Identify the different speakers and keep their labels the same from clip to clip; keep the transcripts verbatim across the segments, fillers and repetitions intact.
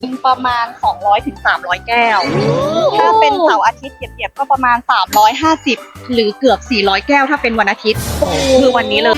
Speaker 1: ประมาณสองร้อยถึงสามร้อยแก้วถ้าเป็นเสาร์อาทิตย์เก็บๆก็ประมาณสามร้อยห้าสิบหรือเกือบสี่ร้อยแก้วถ้าเป็นวันอาทิตย์คือวันนี้เลย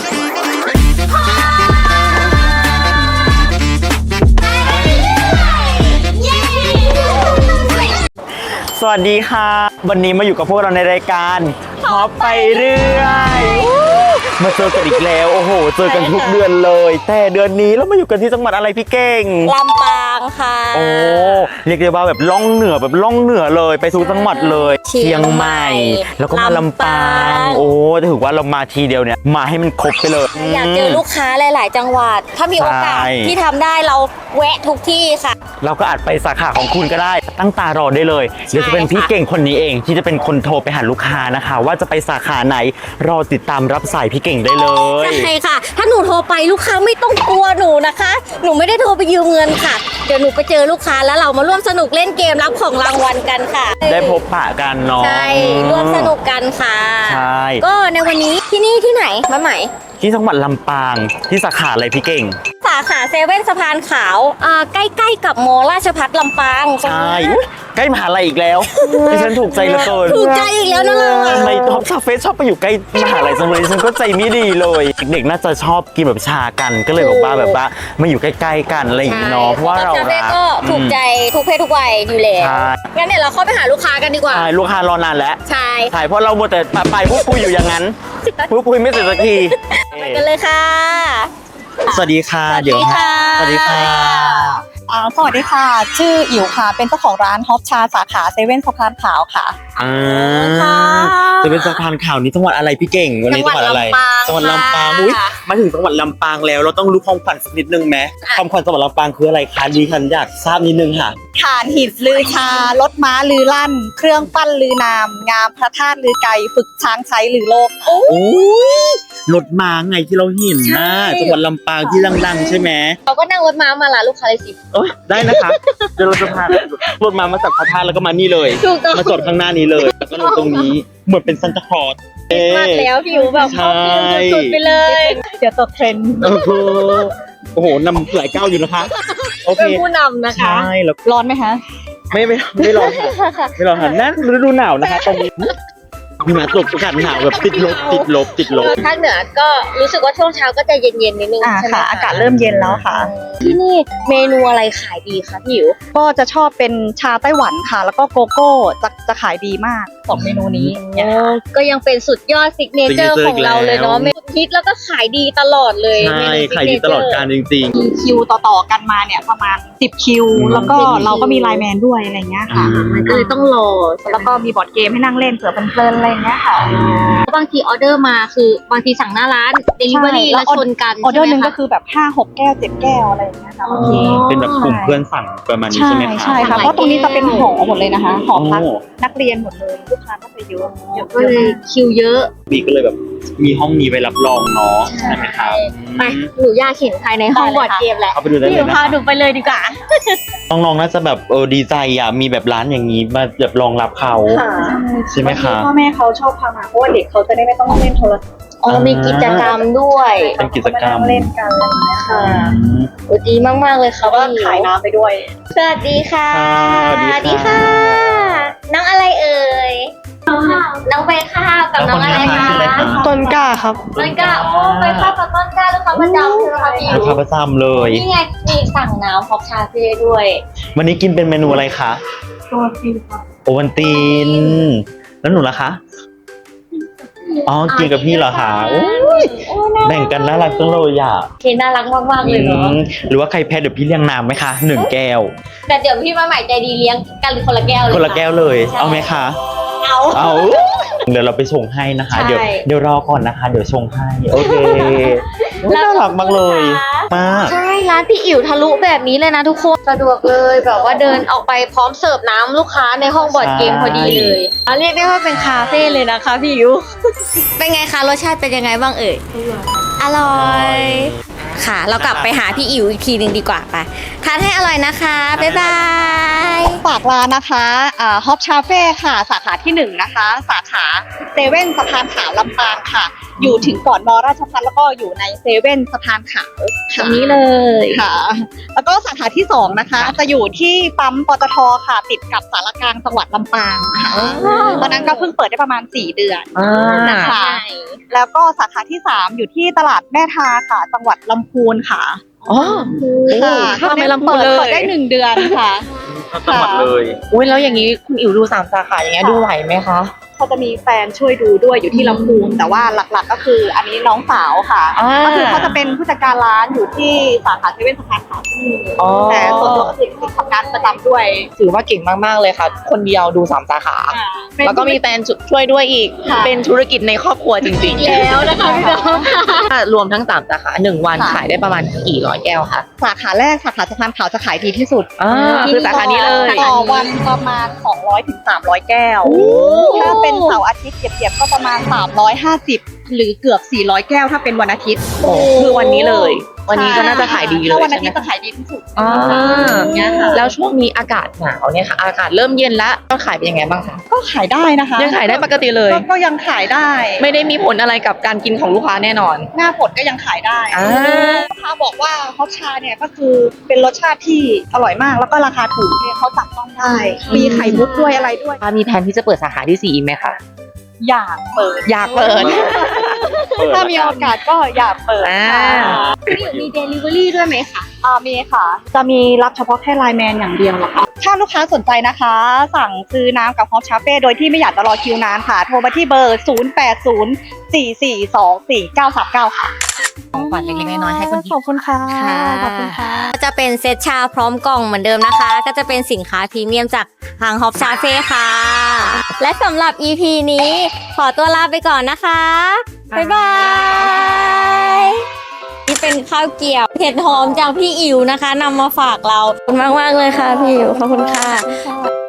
Speaker 2: สวัสดีค่ะวันนี้มาอยู่กับพวกเราในรายการฮอปไปเรื่อยมาเจอกันอีกแล้วโอ้โหเจอกันทุกเดือนเลยแต่เดือนนี้เรามาอยู่กันที่จังหวัดอะไรพี่เก่ง
Speaker 3: ลำปางค่ะ
Speaker 2: โอ้เรียกได้ว่าแบบล่องเหนือแบบล่องเหนือเลยไปสู่จังหวัดเลยเชียงใหม่แล้วก็มาลำปางโอ้ถือว่าเรามาทีเดียวเนี่ยมาให้มันครบไปเลย
Speaker 3: อยากเจอลูกค้าหลายๆจังหวัดถ้ามีโอกาสที่ทำได้เราแวะทุกที่ค่ะ
Speaker 2: เราก็อาจไปสาขาของคุณก็ได้ตั้งตารอได้เลยเดี๋ยวจะเป็นพี่เก่งคนนี้เองที่จะเป็นคนโทรไปหาลูกค้านะคะว่าจะไปสาขาไหนรอติดตามรับสายพี่เก่งได้เลย
Speaker 3: ใช่ค่ะถ้าหนูโทรไปลูกค้าไม่ต้องกลัวหนูนะคะหนูไม่ได้โทรไปยืมเงินค่ะเดี๋ยวหนูไปเจอลูกค้าแล้วเรามาร่วมสนุกเล่นเกมรับของรางวัลกันค่ะ
Speaker 2: ได้พบปะกันเนาะ
Speaker 3: ใช่ร่วมสนุกกันค่ะ
Speaker 2: ใช่
Speaker 3: ก็ในวันนี้ที่นี่ที่ไหนมาใหม่
Speaker 2: ที่จังหวัดลำปางที่สาขาอะไรพี่เก่ง
Speaker 3: สาขาเซเว่นสะพานขาวอ่าใกล้ๆกับมอราชภัฏลำปาง
Speaker 2: ใช่ใกล้มหาลัยอีกแล้วดิฉันถูกใจเหลือเกิน
Speaker 3: ถูกใจอีกแล้วนะเรา
Speaker 2: ทำไมท็อปคาเฟ่ชอบไปอยู่ใกล้มหาลัยจังเลยดิฉันก็ใจไม่ดีเลยเด็กๆน่าจะชอบกินแบบชากันก็เลยบอกว่าแบบว่ามาอยู่ใกล้ๆกันอะไรอย่างนี้เนาะเพราะว่าเรารัก
Speaker 3: ก็ถูกใจทุกเพศทุกวัยอยู่แล้วงั้นเดี๋ยวเราเข้าไปหาลูกค้ากันดีกว่า
Speaker 2: ใช่ลูกค้ารอนานแล้ว
Speaker 3: ใช่
Speaker 2: ใช่เพราะเราหมดแต่ไปพูดคุยอยู่อย่างนั้นพูดคุยไม่เสร็จสักที
Speaker 3: ไปกันเลยค่ะ
Speaker 2: สวัสดีค่ะเดี๋ยว
Speaker 3: สวัสดีค่ะ
Speaker 1: อ่าสวัสดีค่ะชื่ออิ๋วค่ะเป็นเจ้าของร้านฮอปชาสาขาเซเว่นสะพานขาวค่ะ
Speaker 2: อ่าจะเป็นสะพานขาวนี้จังหวัดอะไรพี่เก่งวันนี้จังหวัดอะไรจังหวัดลำปางอุ้ยมาถึงจังหวัดลำปางแล้วเราต้องรู้ความขวัญสักนิดนึงไหมความขวัญจังหวัดลำปางคืออะไรคะดิฉันอยากทราบนิดนึงค่ะ
Speaker 1: ฐานหินลือชารถม้าลือลั่นเครื่องปั้นลือนามงามพระธาตุลือไกฝึกช้างใช้ลือโลก
Speaker 2: โอ้ยรถม้าไงที่เราเห็นนะจังหวัดลำปางที่ดังๆใช่ไหม
Speaker 3: เราก็นั่งรถม้ามาละลูกค้าเลยสิ
Speaker 2: ได้นะคะเดี๋ยวเราจะพารถม้ามาจากพระธาตุแล้วก็มานี่เลยมาจอดข้างหน้านี้เลยแล้วก็ลงตรงนี้เหมือนเป็นซันตาคลอส
Speaker 3: มากแล้วผิวแบบเข้าฟิลสุดๆไปเลย
Speaker 1: เดี๋ยวตกเทรนด์
Speaker 2: โอ้โหโอ้โหนำหลายก้าวอยู่นะคะโอเค
Speaker 3: เป็นผู้นำนะคะ
Speaker 2: ใช่แล้ว
Speaker 1: ร้อนไหมคะ
Speaker 2: ไม่ไม่ไม่ร้อนค่ะไม่ร้อนค่ะนั่นฤดูหนาวนะคะตรงนี้มีมาตกอากาศหนาวแบบติดลบติดลบติดลบ
Speaker 3: ภาคเหนือก็รู้สึกว่าช่วงเช้าก็จะเย็นๆนิดนึง
Speaker 1: ใช่ไหมอากาศเริ่มเย็นแล้วค่ะ
Speaker 3: ที่นี่เมนูอะไรขายดีคะพี่อิ๋ว
Speaker 1: ก็จะชอบเป็นชาไต้หวันค่ะแล้วก็โกโก้จะจะขายดีมากสองเมนูนี้
Speaker 3: ก็ยังเป็นสุดยอดซิกเนเจอร์ของเราเลยเนาะเมนูฮิตแล้วก็ขายดีตลอดเลย
Speaker 2: ใช่ขายดีตลอดการจริงๆ
Speaker 1: มีคิวต่อๆกันมาเนี่ยประมาณสิบคิวแล้วก็เราก็มีไลน์แมนด้วยอะไรเงี้ยค่ะ
Speaker 3: มันก็เลยต้องรอ
Speaker 1: แล้วก็มีบอร์ดเกมให้นั่งเล่นเผื่อเพลินๆอะไรเงี้ยค่ะ
Speaker 3: บางทีออเดอร์มาคือบางทีสั่งหน้าร้านเดลิเวอรี่แล้วชนกัน
Speaker 1: ออเดอร์นึงก็คือแบบห้าหกแก้วเจ็ดแก้วอะไรอย่างเงี้ยค่ะบางที
Speaker 2: เป็นแบบกลุ่มเพื่อนสั่งประมาณนี้ใช่ไหมคะ
Speaker 1: ใช่ค่ะเพราะตรงนี้จะเป็นหอหมดเลยนะคะหอพักนักเรียนหมดเลยลูกค้าก็จะเยอะ
Speaker 3: ก็เลยคิวเยอะ
Speaker 2: บีก็เลยแบบมีห้องนี้ไว้รับรองเนาะใช่ไหมครับ
Speaker 3: ไปหนูอยากเห็นภายในห้องบอร์ดเกมแหละ
Speaker 2: เข้าไปดูได้เลยนะ
Speaker 3: พาหนูไปเลยดีกว่า
Speaker 2: น้องๆน่าจะแบบเออดีใจอ่ะมีแบบร้านอย่างนี้มาแบบรองรับเขาใช่ไหมคะ
Speaker 1: พ่อแม่เขาชอบพามาเพราะว่าเด็กเขาจะได้ไม่ต้องเล่นโทรศัพท์
Speaker 3: อ๋อมีกิจกรรมด้วย
Speaker 2: เป็นกิจกรรม
Speaker 1: เล่นกันอะไรอย่างเงี้ยค่ะ
Speaker 3: โอ้ดีมากๆเลยค่ะ
Speaker 1: ว่าขายน้ำไปด้วย
Speaker 3: สวัสดีค่ะ
Speaker 2: สวัสดี
Speaker 3: ค่ะน้องอะไรเอ่ยน้องใบข้าวกับน้องอะไรคะ
Speaker 1: ต้นกล้าครับ
Speaker 3: ต้นกล้าโอ้ใบข้าวกับต้นกล้าลูกค้าประจำใช่ไหมคะพี่
Speaker 2: ลูกค้าประจำเลย
Speaker 3: นี่ไงมีสั่งน้ำฮอปชาเฟ่ด้วย
Speaker 2: วันนี้กินเป็นเมนูอะไรคะ
Speaker 1: โอวัลตินครับ
Speaker 2: โอวัลตินแล้วหนูล่ะคะอ๋อกินกับพี่เหรอคะแบ่งกันน่ารักจังเลยอ่ะ
Speaker 3: เคน่ารักมากๆเลยเนาะ
Speaker 2: หรือว่าใครแพ้เดี๋ยวพี่เลี้ยงน้ำไหมคะหนึ่งแก้ว
Speaker 3: แต่เดี๋ยวพี่มาใหม่ใจดีเลี้ยงกันคนละแก้วเลย
Speaker 2: คนละแก้วเลยเอาไหมคะ
Speaker 3: เอา
Speaker 2: เอาเดี๋ยวเราไปชงให้นะคะเดี๋ยวเดี๋ยวรอก่อนนะคะเดี๋ยวชงให้โอเคน่ารักมากเลยมาก
Speaker 3: ใช่ร้านพี่อิ๋วทะลุแบบนี้เลยนะทุกคนสะดวกเลยแบบว่าเดินออกไปพร้อมเสิร์ฟน้ำลูกค้าในห้องบอร์ดเกมพอดีเลยเรียกได้ว่าเป็นคาเฟ่เลยนะคะพี่อิ๋วเป็นไงคะรสชาติเป็นยังไงบ้างเอ่ยอร่อยค่ะเรากลับไปหาพี่อิ๋วอีกทีหนึ่งดีกว่าไปทานให้อร่อยนะคะบ๊ายบาย
Speaker 1: ฝากร้านนะคะอ่าฮอปชาเฟ่ค่ะสาขาที่หนึ่งนะคะสาขาเซเว่นสะพานขาวลำปางค่ะอยู่ถึงก่อนมอราชภัฏแล้วก็อยู่ในเซเว่นสะพานขาว
Speaker 3: ตรงนี้เลย
Speaker 1: ค่ะ แล้วก็สาขาที่สองนะคะ จะอยู่ที่ปั๊มปตทค่ะติดกับสารกลางจังหวัดลำปางค่ะตอนนั้นก็เพิ่งเปิดได้ประมาณสี่เดือน
Speaker 2: อ่า
Speaker 1: นะคะ แล้วก็สาขาที่สามอยู่ที่ตลาดแม่ทาค่ะ จังหวัดลำพูนค่ะ
Speaker 3: อ๋อ
Speaker 1: ค่ะ
Speaker 3: เข้าไปลำพูน
Speaker 1: เปิด
Speaker 3: เลย
Speaker 1: เปิดได้หนึ่งเดือนค่ะ
Speaker 2: ทั้งจังหวัดเลย
Speaker 3: อุ้ยแล้วอย่างนี้คุณอิ๋วดูสามสาขาอย่างเงี้ยดูไหวไหมคะ
Speaker 1: เขาจะมีแฟนช่วยดูด้วยอยู่ที่ลำพูนแต่ว่าหลักๆก็คืออันนี้น้องสาวค่ะ
Speaker 3: อ่า
Speaker 1: ก็คือเขาจะเป็นผู้จัดการร้านอยู่ที่สาขาเซเว่นสะพานขาวที่นี่
Speaker 3: อ๋อ
Speaker 1: แต่ส่วนตัวก็คือทำงานประจำด้วย
Speaker 3: ถือว่าเก่งมากๆเลยค่ะ คนเดียวดูสามสาขา แล้วก็มีแฟนช่วยด้วยอีก
Speaker 1: ค่ะ
Speaker 3: เป็นธุรกิจในครอบครัวจริงๆ
Speaker 1: แล้วนะคะพี่น้อง
Speaker 3: รวมทั้งสามสาขาหนึ่งวัน
Speaker 1: ค่ะ
Speaker 3: ขายได้ประมาณกี่ร้อยแก้วคะ
Speaker 1: สาขาแรกสาขาสะพานขาวจะขายดีที่สุด
Speaker 3: อ่าคือสาขานี้เลย
Speaker 1: ต่อวันประมาณสองร้อยถึงสามร้อยแก้ว ถ้าเป็นเสาร์อาทิตย์เก็บๆก็ประมาณสามร้อยห้าสิบหรือเกือบสี่ร้อยแก้วถ้าเป็นวันอาทิตย์
Speaker 3: โอ้คือวันนี้เลย วันนี้ก็น่าจะขายดีเลย
Speaker 1: ถ้าวัน
Speaker 3: ใช่
Speaker 1: อา
Speaker 3: ไห
Speaker 1: ทิ
Speaker 3: ม
Speaker 1: ตย์จะขายดีที่สุด
Speaker 3: อ่า
Speaker 1: อย่างเงี้ยค่ะ
Speaker 3: แล้วช่วงนี้อากาศหนาวเนี่ยค่ะ อากาศเริ่มเย็นแล้วก็ขายเป็นยังไงบ้างคะ
Speaker 1: ก็ขายได้นะคะ
Speaker 3: ยังขายได้ปกติเลย
Speaker 1: ก็ก็ยังขายได้
Speaker 3: ไม่ได้มีผลอะไรกับการกินของลูกค้าแน่นอน
Speaker 1: หน้าฝนก็ยังขายได้
Speaker 3: อ่า
Speaker 1: ลูกค้าบอกว่าฮอตชาเนี่ยก็คือเป็นรสชาติที่อร่อยมากแล้วก็ราคาถูกเนี่ยเขาจับต้องได้ มีไข่มุกด้วยอะไรด้วย
Speaker 3: มีแผนที่จะเปิดสาขาที่สี่อีกไหมคะ
Speaker 1: อยากเปิด
Speaker 3: อยากเปิด
Speaker 1: ถ้ามีโอกาสก็อยากเปิด
Speaker 3: อ่า
Speaker 1: มีเดลิเวอรี่ด้วยไหมคะอ่ามีค่ะ จะมีรับเฉพาะแค่ไลน์แมนอย่างเดียวเหรอคะถ้าลูกค้าสนใจนะคะ สั่งซื้อน้ำกับฮอตชาเฟ่โดยที่ไม่อยากจะรอคิวนานค่ะ โทรมาที่เบอร์ ศูนย์ แปด ศูนย์ สี่ สี่ สอง สี่ เก้า สาม เก้า ค่ะ
Speaker 3: ของขวัญเล็กๆน้อยๆให้คุณ
Speaker 1: ขอบคุณค่ะ
Speaker 4: ค่ะ
Speaker 1: ขอบคุณค่ะ
Speaker 4: ก็จะเป็นเซตชาพร้อมกล่องเหมือนเดิมนะคะ ก็จะเป็นสินค้าพรีเมียมจากทางฮอปชาเฟ่ค่ะ และสำหรับ อี พี นี้ขอตัวลาไปก่อนนะคะ บ๊ายบาย นี่เป็นข้าวเกรี๊ยวเห็ดหอมจากพี่อิ๋วนะคะนำมาฝากเราขอบคุณมากๆเลยค่ะพี่อิ๋วขอบคุณค่ะ